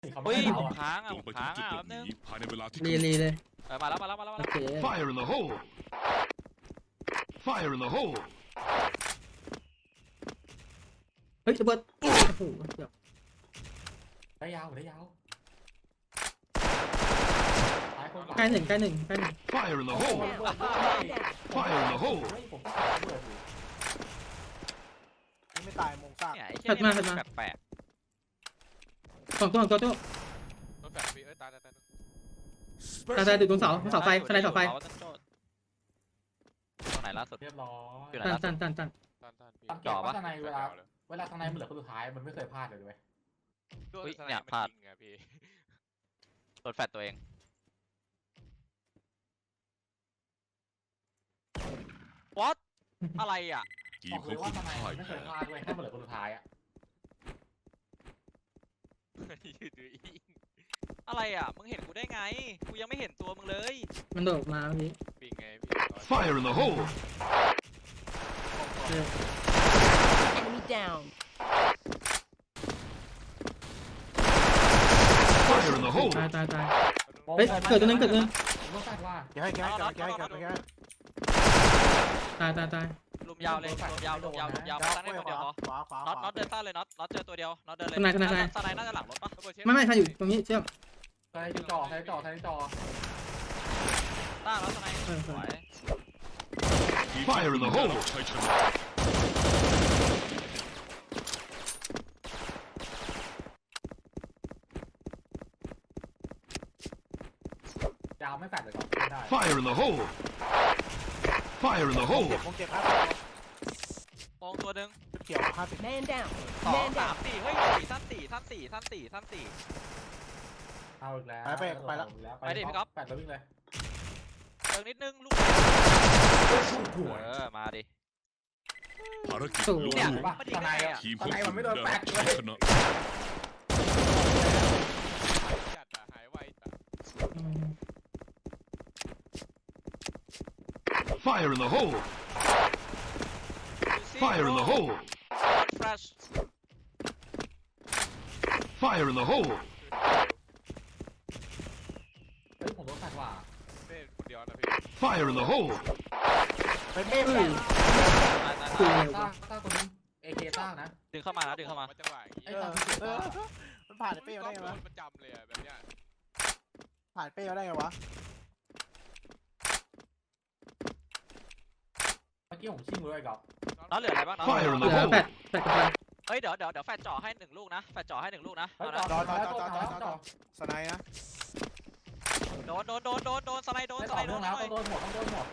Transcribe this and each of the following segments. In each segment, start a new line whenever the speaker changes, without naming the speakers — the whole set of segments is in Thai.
เฮ้ยผม
อ่ะ
ค้างอ่ะ
จ
ผ
ง
ม
ไป
ค้าง
จุด
อ่ะ
หล
แป๊
บบ ห
นึง
นีภายในเวลาที่
รีเลย
มาแล้ว
โอเค
Fire in the hole! Fire in the hole!
เฮ้ยระเบิดโอ้โหเดี๋ยว
ได้ยาวซ้ายคน
ใกล้หนึ่ง
Fire in the hole! Fire in the hole!
เฮ้ยผมต้องการเบิดอยู่
นี่ไม่ตายมงซาก
เนี่ยไอ้เหี้ยนี่มันแปลก
สองตัว
ๆโดนแปลกพี่ตาย
ตายติดตรงเสาไฟสไลด์เสาไฟ
ตรงไหนล่าสุด
เรียบร้อย
อยู่ไหน
ตัน
ล่าสุด
ตัน
สังเกตว่าทนายเวลาทนายมันเหลือคนสุดท้ายมันไม่เคยพลาดเลยด้วย
อุ้ยเนี่ยพลาดโดนแฟดตัวเองวอตอะไรอ่ะ
ที
บ
ม
อก
ข
เล
อง
ยว่า
คุณ
ทนาย
พ่าย
ไม่
แพ้
เคยพลาดด้วยถ้ามันเหลือคนสุดท้ายอ่ะ
อะไรอ่ะมึงเห็นกูได้ไงกูยังไม่เห็นตัวมึงเลย
มันโดดมาเมื่อกี้
ปิงไง
Fire in the hole!
Enemy down.
Fire in the hole!
ตายเฮ้ยเกิดตัวนึง
ผมต้องคาดว่า
อย่าให้ตาย
ลุมยาวเลยลุมยาวตั้งให้คนเดียวพอ
ขวา
น็อตเดินต้าเลยน็อตเจอตัวเดียวน็อตเดินเลยสไนน่าจะหลังรถปะ
ไม่ถ้าอยู่ตรงนี้เชื่อม
ใช้จอ
ต้าแล้วสไนสวย
ทีมของคุณได้รับชัยชนะ
ยาวไม่แฟดเลยก่อนไม่ได้
Fire in the hole! Fire in the
ม
hole!
งเจ็บครับ
มองตัวหนึ่ง
เขียว50
Man down.
สอง
Man
สาม
down.
สี่เฮ้ยท่านสี่
เอาอีกแล้วแฟดแล้ววิ่งเลย
เติมนิดนึงลูกมาดิ
ภารกิจลุ
เนี่ย
ล่วง
ทนาย
ทีมของ
มั
คุ
น
ณ
ไม่โดน
ได้
แฟ
รั
ด
บ
เล
ชัย
ย
ชนะ Fire in the hole! Fire in the hole!
Flash
Fire in the hole!
เฮ้ยผมโดนแฟดว่ะ
Fire in the hole!
ไปเป้ไป
คือเร็ว
ต้าคนนึงเอเคต้านะ
ดึงเข้ามาแล้วดึงเข้ามา
ไอ้ต้าที่เสียต้า
มันผ่านเป้มาได้ไงวะผ่านเป้มาได้ไงวะ
เมื่อกี้ผมชิ่งเลยกับ
น้องเหลืออะไรบ้างน้อง
Fire in
เห
the
ลือ
hole!
แปดกับไฟ
เฮ้ยเดี๋ยวแฟนจ่อให้หนึ่งลูกนะแฟนจ่อให้หนึ่งลูกนะ
เฮ้ย
เอา
จอ
นะ
ด
สไนนะ
โดนสไลด์โดน
ได้
ส
ต่
ไล
อ
ด์โด
เนื่อน งแล้ว
หน่อย
ต้องโดนหมด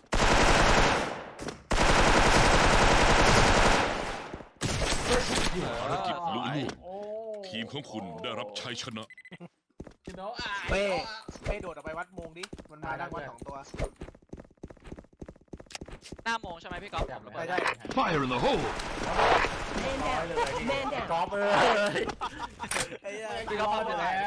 ภารกิจลุล่วง
โอ้
ทีมของคุณได้รับชัยชนะ
เป้โดดออกไปวัดมงดิมันมาดักวัด2ตัว
หน้าโมงใช่ไหมพี่ก๊อฟ
ได้
Fire in the hole!
Man down. Man
กอ
down.
ล์ฟเลย
ไอ้เหี้ย
พี่ก็พลาดไปแล้ว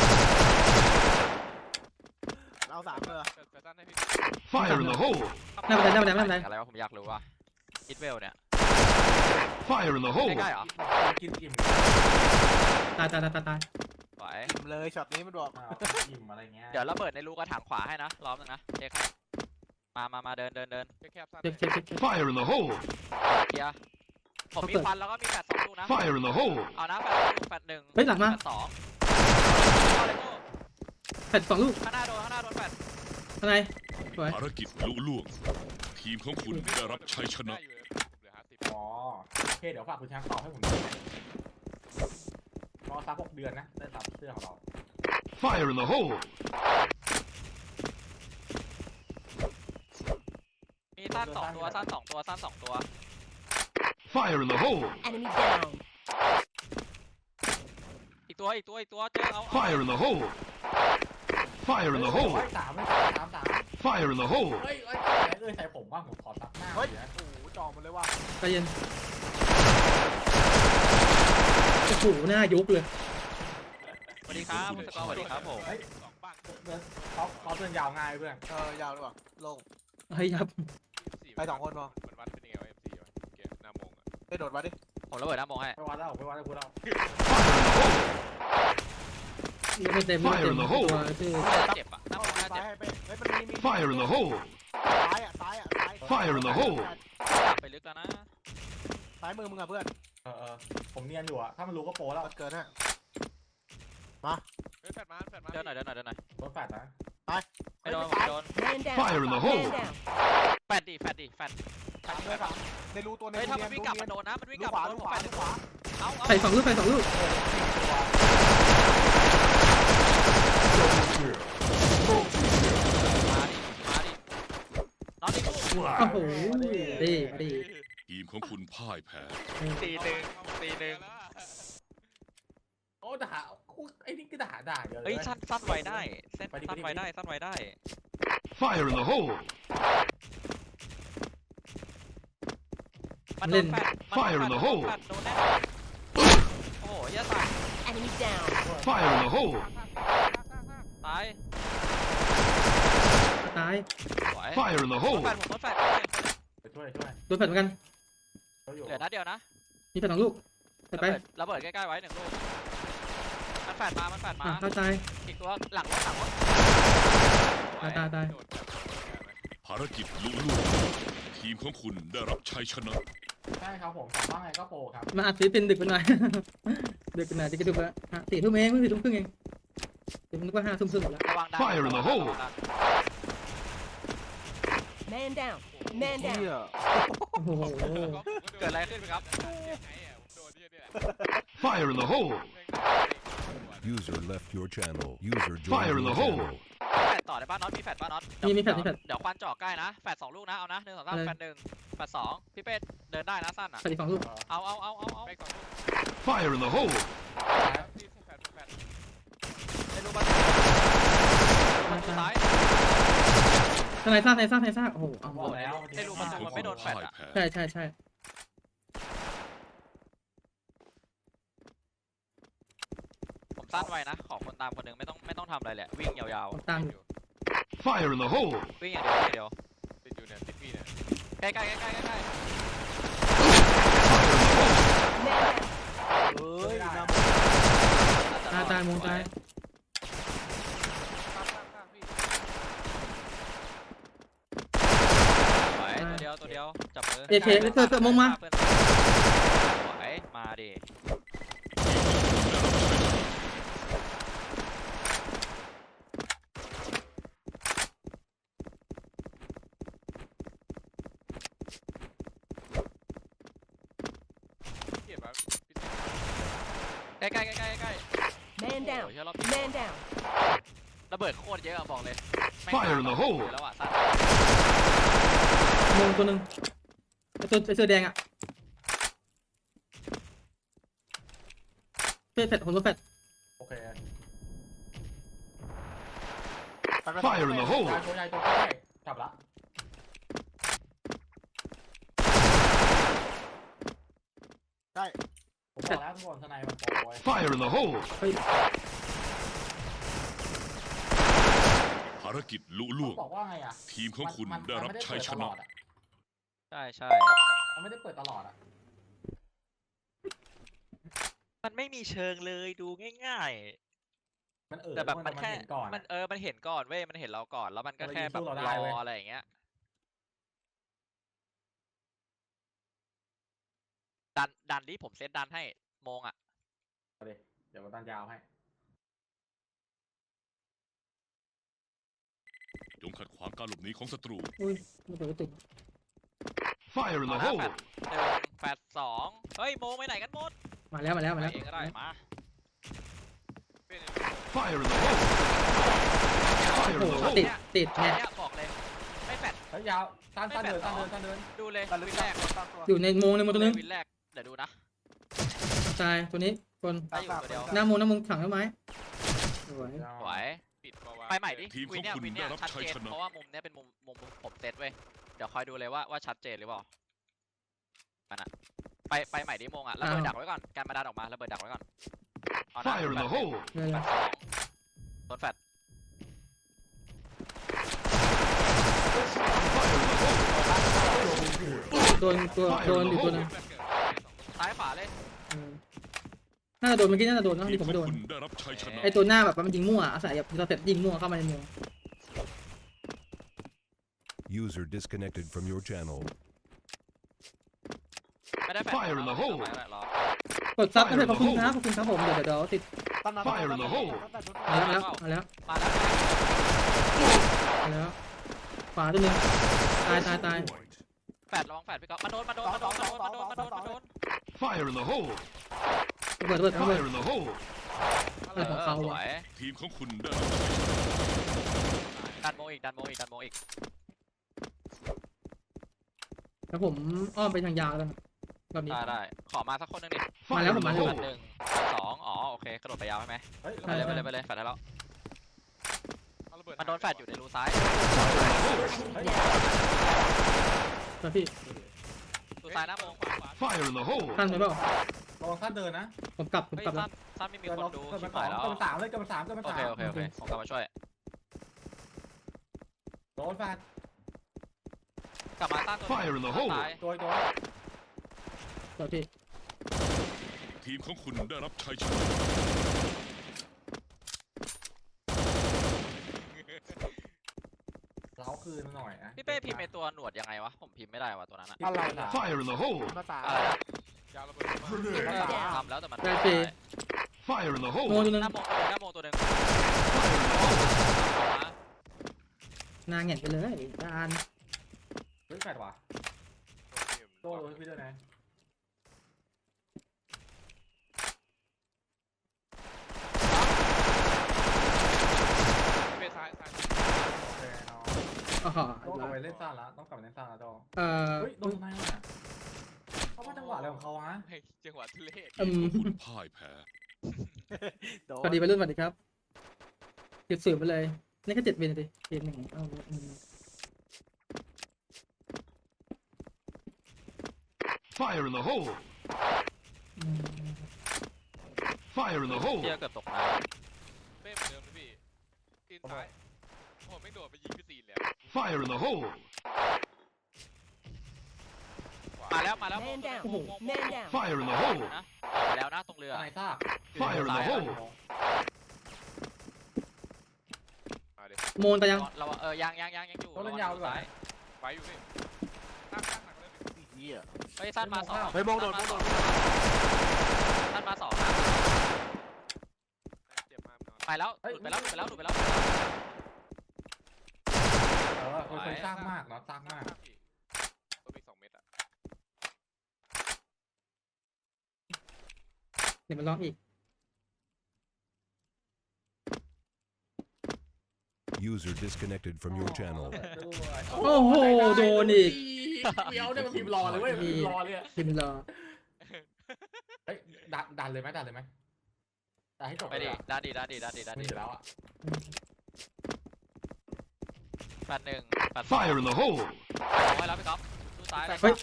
เอา3เลย
Fire in the hole!
หน้าบันได
อะไรวะผมอยากรู้ว่าอิทเวลเนี่ย
Fire in the hole!
ใกล้ๆเหรอ
กินอิ่ม
ตาย
ไหว
อิ่มเลยช็อตนี้มันบอก
อิ่มอะไรเงี้ย
เดี๋ยวระเบิดในรูกระถางขวาให้นะล้อมนึงนะเช็คให้มาเดิน
เช็ค
Fire in the hole!
เคลียร์ผมมีควันแล้วก็มีแฟด2ลูกนะ
Fire in the hole!
เอานะแฟด1
เฮ้ยหลังมา
แฟด2เอาเลยกู
แปด2 ลูก
ข้างหน้าโดนแฟด
อะไรสวย
ภารกิจลุล่วง ทีมของคุณได้รับชัยชนะ
อ๋อโอเคเดี๋ยวฝากคุณช้างตอบให้ผมรอสัก6 เดือนนะได้ตัดเสื้อของเรา
Fire in the hole!
มีสั้น2ตัวสั้น2ตัว
Fire in the hole!
Enemy down.
อีกตัวเจอเอา
Fire in the hole! Fire in the hole!
3
Fire in the hole!
เฮ้ยใส่ผมว่าผมขอซับหน้า
เฮ้ยโอ้โหจ่อมันเลยว่ะ
ใจเย็นโอ้โหหน้ายกเลย
สวัสดีครับคุณสกอร์สวัสดีครับผม
เขาเดินยาวง่ายเพื่อน
ยาวเลยว่ะลง
เฮ้ยครับ
ไป2คนพอ
มันวัดเป็นยังไงวะ MC วะเกมหน้าโมงอะ
ไปโดดวัดดิ
ผมระเบิดหน้าโมงให้
ไปวัดแล้ว
Fire in the hole!
ไม่เต็มไม่เต็มตัวชื่อ
เจ็บอะหน้าโมงน่า
ซ้า
เจ็
ย
บ
ให้เป้เฮ้ยมันมี
Fire in the hole!
ซ้ายอ่ะซ้ายอ่ะซ้าย
Fire in the hole!
กลับไปลึกแล้วนะ
ซ้ายมือมึงอ่ะเพื่อน
ผมเนียนอยู่อะถ้ามันรู้ก็โปรแล้ว
มันเกินฮะ
เฮ้ยแฟดมา
เดินหน่อย
รถแฟดนะ
ไม่โดนโดน
Man down.
Fire in the hole!
Man down.
แฟดดิ
สามเลยสามในรูตัวใน
เฮ้ย
รู
ถ้า
เนี
มั
ย
น
น
วิ่งกลับมันโดนนะมันวิ่งกลับ
ขวา
โดน
ลู
ผม
ขวา
แฟด
ลูขวา
เอา
ใส่2 ลูกใส่2 ลูก
มาดิน้องดิลูก
โอ้โหดี
ทีมของคุณพ่ายแพ้
ตีหนึ่ง
โอ้ด่าไอ้นี่ก็ด่าเยอะเลย
เฮ้ยสั้นไวได้เส้นสั้นไวได้
Fire in the hole!
มันโดนแฟด
Fire in the hole
แฟดโดนแน่โอ้โหยาตาย
Enemy down.
Fire in the hole!
ตาย
ตาย
สวย
Fire in the
โดน
hole!
แฟดผมโดนแฟด
ไปช่วย
โดนแฟดเหมือนกัน
เขาอยู่
เหลือนัดเดียวนะ
มีแฟด2 ลูกไปไประ
เบิดใกล้ๆไว้1 ลูกมันแฟดมา
เข้าใจ
อีกตัวหลังรถ
ตาย
ภารกิจลุล่วงทีมของคุณได้รับชัยชนะ
ใช่ครับผมถามว่าไงก็โปรครับ
มาอัดศิลปินดึกไปหน่อย ดึกไปหน่อยจะกระดุกแล้ว4 ทุ่มเองเพิ่ง4 ทุ่มครึ่งเองเดี๋ยวผมนึกว่า5 ทุ่มครึ่งหมดแล้ว
ระวังดัน
Fire in the hole
Man down. Man
เหี้
down.
ย
โอ้โห
เกิดอะไรขึ้นครับ
Fire in the hole!
User left your channel. User
Fire
joined
in
your
the hole!
channel.
แฟดต่อได้ป่ะน็อตมีแฟดป่ะน็อต
มีแฟด
เดี๋ยวควันจ่อใกล้นะแฟด2 ลูกนะเอานะ1 2 3แฟด1แฟด2พี่เป้เดินได้นะสั้นอ่ะ
แฟดอีก2 ลูก
เอา
Fire in the hole!
ไม่รู้บ้านซ้าย
ทนายซ่าโอ้โหเอา
บอกแล้ว
ไม่รู้ประตูมันไม่โดนแฟด
พ่าย
อ่ะ
แพ้
ใช่
ผมสั้นไว้นะขอคนตามคนหนึ่งไม่ต้องทำอะไรแหละวิ่งยาว
ผมตามอยู่
Fire in the hole!
ๆวิ่งอย่างเดียว
ติดอยู่เนี่ยติดพี่เนี่ย
ใกล้
Fire in the hole!
Man down.
เฮ้ยน้
ตายมงตาย
ไหวตัวเดียวจับมือ
เอเคเธอมงมา
ไหวมาดิ
เก็บแบบ
ใกล้
Man down.
เชื่อรอบ
Man down.
ระเบิดโคตรเยอะบอกเลย
Fire in the hole
แล้วอ่ะสั้น
มงตัวหนึ่งไอเสื้อแดงอ่ะแฟดผมโดนแฟด
โอเค
ำ
Fire in the hole!
ตัวใหญ่ตัวใหญ่กลับละ
ได้
ผมบอกแล้วทุกคนทนายมันโปรไว้
Fire in the hole!
เฮ้ย
ภารกิจลุล่วง
บอกว่าไงอ่ะ
ทีมของคุณได้รับชัยชนะ
ใช่
มันไม่ได้เปิดตลอดอ่ะ
มันไม่มีเชิงเลยดูง่าย
มัน
ๆ แต่แบบมันแค่
เห็นก่อน
มันมันเห็นก่อนเว้ยมันเห็นเราก่อนแล้วมันก็แค่แบบ
มันเลยยิงสู้
ร
เราได้เว้ย
ออะไรอย่างเงี้ยดันดิผมเซตดันให้โมงอ่ะ
เดี๋ยวมันตันยาวให้
จงขัดขวางการหลบหนีของศัตรู
อุ้ยไม่เปิดติด
Fire in the
เอา
hole!
นะแฟด2เฮ้ยโมงไปไหนกันหมด
มาแล้ว
ไปเองก็ได้มา
Fire in the hole!
โอ้
Fire
โห
in the hole!
ติดไง
เนี่ยบอกเลยไม่แฟด
เฮ้ยยาวตันเดิน
ดูเลย
ตัดลึ
วิ
ก
นแรก
ตั้งตัว
อยู่ในโมงตัวนึง
วินแรกเดี๋ยวดูนะ
ตายตัวนี้คน
ได้อยู่ตัวเดียว
หน้ามงถังต้นไม้สวย
ไหว
ปิดปะวะ
ไปใหม่ดิ
ทีมของคุณ
วินเนี่ย
ได้รับ
ชัด
ชัย
เจน
ชนะ
เพราะว่ามุมเนี้ยเป็นมุมผมเซตเว้ยเดี๋ยวคอยดูเลยว่าชัดเจนหรือเปล่ามันอะไปใหม่ดิโมงอะระเบิดดักไว้ก่อนการมาดันออกมาระเบิดดักไว้ก่อนเอานะ
Fire in the hole!
เลย
แฟด2โดนแฟด
โดนอยู่ตัวนึง
ซ้ายขวาเลย
อืมน่าจะโดนเมื่อกี้น่าจะโดนนะ
ที
ที่
ม
ผม
ขอ
ไม่
ง
โดน
คุณได้รับชัยชนะ
ไอตัวหน้าแบบมันยิงมั่วอาศัยแบบเราเสร็จยิงมั่วเข้ามาในเมือง
User disconnected from your channel.
ไม่ได้แฟน
Fire in the hole
รอก
ดซับนะเพื่อนขอบคุณครับผมเดี๋ยวติด
ตั้งนาน
Fire in the hole
มาแล้วมาแล้ว
มาแล้ว
มาแล้วขวาตัวนึงตาย
แฟดระวังแฟดพี่ก๊อฟมาโดน
Fire in the hole
ระเบิด
Fire in the hole
ของเขา
ส
อ่ะ
วย
ทีมของคุณได้รับชัยชนะ
ดันโมอีก
แล้วผมอ้อมไปทางยาวแล้วแบบนี้
ได้ขอมาสักคนหนึงดิ
มาแล้ว
Fire
ผม
in
มา
the
แล้ว
แฟด
hole
หนึ่งสองอ๋อโอเคกระโดดไปยาวใช่ไหม
เฮ้ย
ไปเลยแฟดให้แล้ว
เอาระเบิด
มันโดนแฟดอยู่ในรูซ้าย
แล้วพี่
รูซ้ายหน้าโมง
Fire in the hole
ตั้งไปเปล่า
ระวังสั้นเดินนะ
ผมกลับ
เฮ้ย
แล้ว
สั้นไม่มี
เกิ
คน นดู
เกิน
ชิ
มา
บหายแล้ว
เกินมา3เลยเกินมา3เกินมา
โอ
3
เคผมกลับมาช่วย
โดนแฟน
กลับมาตั้งตัว
Fire in the hole
ซ้าย
ตัว
แล้วพี่
ทีมของคุณได้รับชัยชนะ
เล้าคืนหน่อยนะ
พี่เป้พิมพ์ในตัวหนวดยังไงวะผมพิมพ์ไม่ได้วะตัวนั้นอะ
อะไรนะ
Fire in the hole
มาตา
อะไรนะ
ยาวระเบิดมา
ทำแล้วแต่มัน
ได้ฟรี
Fire in the
โม
hole
ตัวนึง
หน้าโมงตัวหนึ่ง
นางเงียบไปเลยจาน
เฮ้ยแฟดว่ะโดนพี่ด้วยนะ
เป้ซ้าย
โอเคเนาะ
อ๋อ
ต้องกลับไปเล่นซ่าละต้องกลับไปเล่นซ่าละโด
เอ่อ
เฮ้ยโดนทำไมอ่ะเขาว่าจังหวะอะไรของเขาฮะ
ให้จังหวะทุเรศ
อืม
คุณพ่ายแพ้
สวัสดีวัยรุ่นสวัสดีครับเก็บสืบไปเลยนี่ก็7 วินดิเกมหนึ่งเอาอืม
Fire in the hole
อืม
Fire in the hole
เที่ยเกือบตกน้
เป้เหมือนเดิมนะพี่ตีนซ้ายโอ้ไม่โดดไปยิงพี่ซีนแล้ว
Fire in the hole
ำมาแล้ว
Man down. Man down.
Fire in the hole
นะออกไปแล้วนะตรงเรือ
ทนายซ่า
Fire in the hole
มาเดี๋ยว
โมนแต่ยัง
เรายังอยู่
ต้องเล่นยาวดีกว่า
ซ้าย
ไปอยู่นี่ตั้งหนักเลย
เหี้ย
เฮ้ยสั้นมาสอง
เฮ้ยมองโดน
สั้นมาสองนะ
เจ็บมากนอน
ไปแล้วหลุดไปแล้ว
คนสร้างมากเนาะสร้างมาก
ตัวมี2 เม็ดอ่ะ
เดี๋ยวมันร้องอีก
User disconnected from your channel.
โอ้โหโดนอีก
เดี๋ยวเนี่ยมันพิมพ์รอเลยเว้ยพิมพ์รอเลยอะ
พิมพ์รอ
เฮ้ยดันเลยไหมดันให้จบ
ไปดิด้านดี
มีอยู่แล้วอ่ะ
แฟนหนึ่งแฟนสอง
Fire in the hole
เอาไว้แล้วพี่ก๊อฟดูซ้ายเลย
เฮ้ย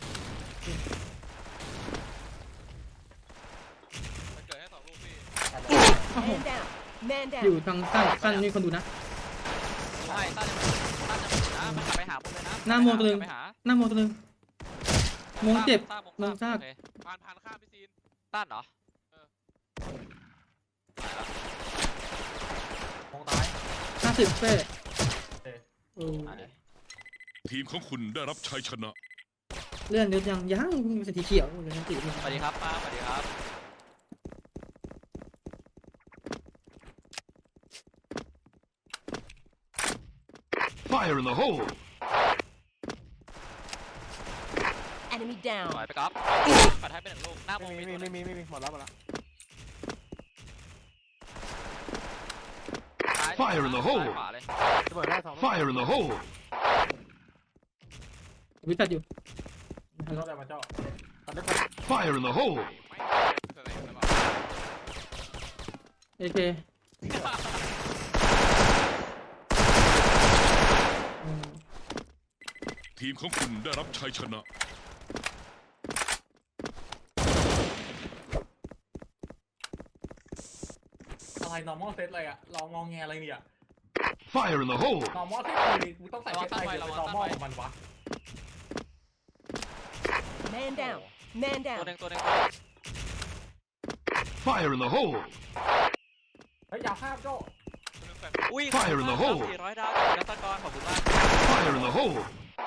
มันเกิดให้2 ลูกพี่
Man down. Man
อยู่
down.
ทางสั้นนี่คนดูนะ
ใช่ตั้นจะหมุนนะมันกลับไปหาผมเลยนะ
หน้าโมตัวหนึ่ง
ไปหา
หน้าโมตัวนึงโมเจ็บ โมงซาก
โอเค
ผ่านข้ามพี่ซีน
ตั้นเหรอ
มองตาย
50เป้โอ้
มาดิ
ทีมของคุณได้รับชัยชนะ
เลื่อนนิดยังเป็นสีเขียวเลยนะสี
สวัสดีครับป้าสวัสดีครับ
Fire in the hole
Enemy
ปล่
down.
อยไปก๊อฟปัดให้เป็น1 ลูกหน้าโม
ไม่
มี
มี
ตัวห
ไม่
นึ่ง
มีหมดแล้ว
ซ้าย
Fire in the hole
ซ้ายขวาเลย
ระเบิดได้2
Fire in the hole
วิจัดอยู่
เจ้าอะไรมาเจ้า
Fire in the hole
ไม่เสนอแล้ว
เอเคอืม
ทีมของคุณได้รับชัยชนะ
อะไร normal set เลยอะลองงองแงอะไรเนี่ย
Fire in the hole
normal set กูต้องใส่เซตอะไรเป็น normal ของมันวะ
Man down. Man
ตัว
down.
หนึ่ง
Fire in the hole!
เฮ้ยยาวข้ามโจ้
อุ้ย
Fire in the hole
400 ดาวจากรัตกรขอบคุณมาก
Fire in the hole!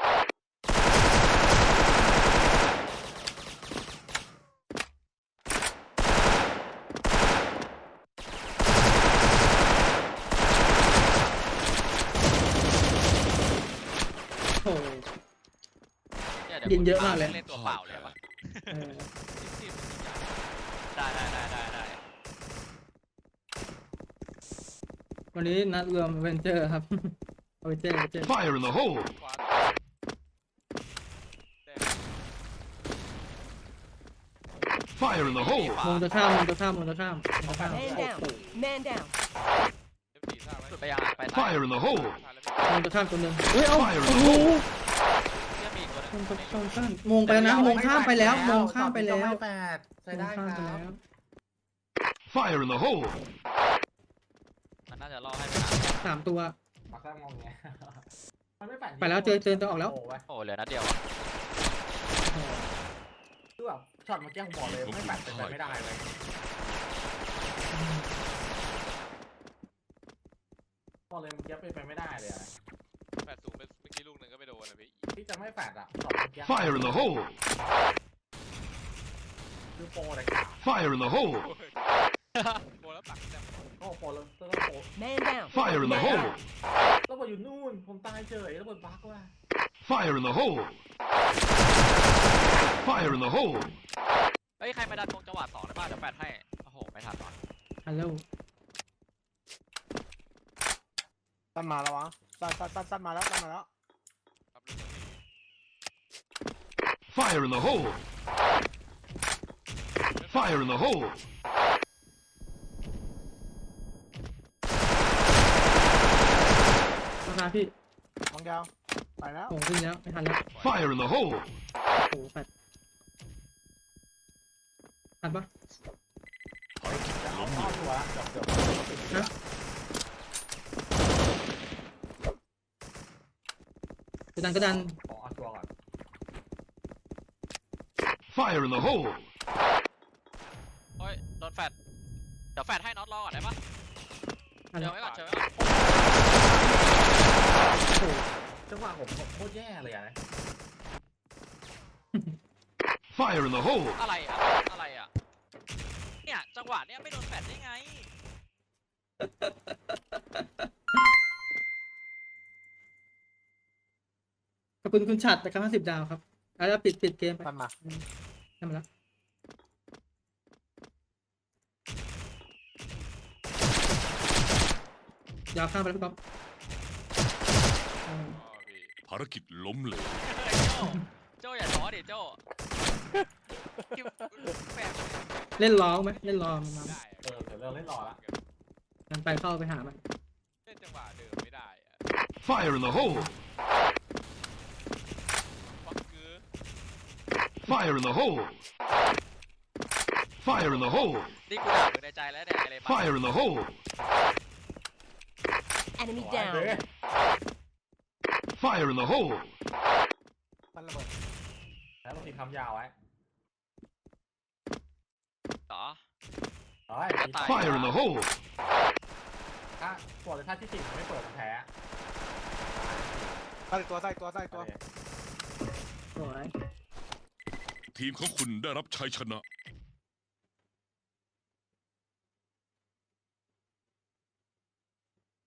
โอ้โห
เนี่
ยิงเยอะมากเลย
เล่นตัวเปล่าเลยปะ
เออ
ได้
วันนี้นัดรวมเวนเจอร์ครับ เวนเจอร์
Fire in the hole!
ขวาแดง
Fire in the hole!
มงจะข้าม
Man down. Man down.
F4 ท่าไหม
สุดไปยังอ่ะไปซ้าย
Fire in the hole!
ท่าแล้วพี่
มงจะข้ามตัวหนึ่งเฮ้ย เอา
Fire in
โอ้
the
โห
hole!
เชื่อมีอีกตัวหนึง
มงจะข้ามมงไปแล้วนะ มงข้ามไปแล้ว มงข้ามไปแล้ว
แปดใช้
มง
ได้ค
ข้าม
รั
ไป
บ
แล้ว
Fire in the hole!
มันน่าจะล่อให้ไปหา
3 ตัว
มาแค่มองเงี้ยมันไม่แปด
ไปแล้วเจอตัวออกแล้ว
โอ้โห
โอ้เหลือนัดเดียวอ่ะ
โอ้โห
คือแบบช็อตเมื่อกี้ผมบอกเลยไม่แปดเป็นไปไม่ได้เลยบอกเลยเมื่อกี้เป็นไปไม่ได้เลยอะ
แปดสูงเมื่อกี้ลูกหนึ่งก็ไม่โดนนะพี่
ที่จะไม่แปดอะช็อตเมื่อกี้
Fire in the hole!
คือโปรเลยค่ะ
Fire in the hole!
โดนแล้วปักแต้ม
โอ้โปรเลยโปร
Man down.
Fire in the hole!
ระเบิดอยู่นู่นผมตายเฉยระเบิดบั๊กว่ะ
Fire in the hole! Fire in the hole!
เฮ้ยใครมาดันวงจังหวะ2ได้ป่ะเดี๋ยวแปดให้โอ้โหไม่ทันว่ะ
ฮัลโหล
สั้นมาแล้ววะสั้นมาแล้วสั้นมาแล้ว
ครับลูกนี้
Fire in the hole! Fire in the hole!
ราคาพี่
มองยาวไปแล้ว
โอ้วิ่งแล้ว ไม่ทันแล้ว
Fire in the hole!
โอ้โหแปดทันปะ
ล้มอยู่วะเกือบ
ฮะกระดัน
ขอเอาตัวก่อน
Fire in the hole!
โอ้ยโดนแฟดเดี๋ยวแฟดให้น็อตรอก่อนได้ปะ
ทัน
เชิ
แล้
ญ
ว
ไว้ก่อนเชิญไว้ก่อน
โอ้โห
จังหวะผมโคตรแย่เลยอะนะ
Fire in the hole!
อะไรอ่ะเนี่ยจังหวะเนี้ยไม่โดนแฟดได้ไง
ขอบคุณคุณฉัดแต่ครับ50 ดาวครับ แล้วปิดเกมไป
สั้นมา
ทำมาแล้วยาวข้ามไปแล้วพี่ก๊อฟ
อ๋อพี่
ภารกิจล้มเหลว
โจ้อย่าท้อดิโจ้แปลก
เล่นล้อไหมเล่นล้อมันมา
ได้
เดี๋ยวเราเล่นรอละ
มันไปเข้าไปหามัน
เล่นจังหวะเดิมไม่ได้อะ
Fire in the hole!
ฟักคือ
Fire in the hole! Fire in the hole!
นี่กูด่ามึงในใจแล้วเนี่ยไอ้เลยบ้า
Fire in the hole!
Enemy
เฮ้ย
down.
Fire in the hole!
สั้นระเบิด
แล้วเราทิ้งคำยาวไว้
เหรอ
เฮ้ย
จะตาย
Fire in the hole!
ถ้าปวดเลยถ้าที่สิ่งไม่เปิดมันแพ้
ใส่ตัว
สวย
ทีมของคุณได้รับชัยชนะ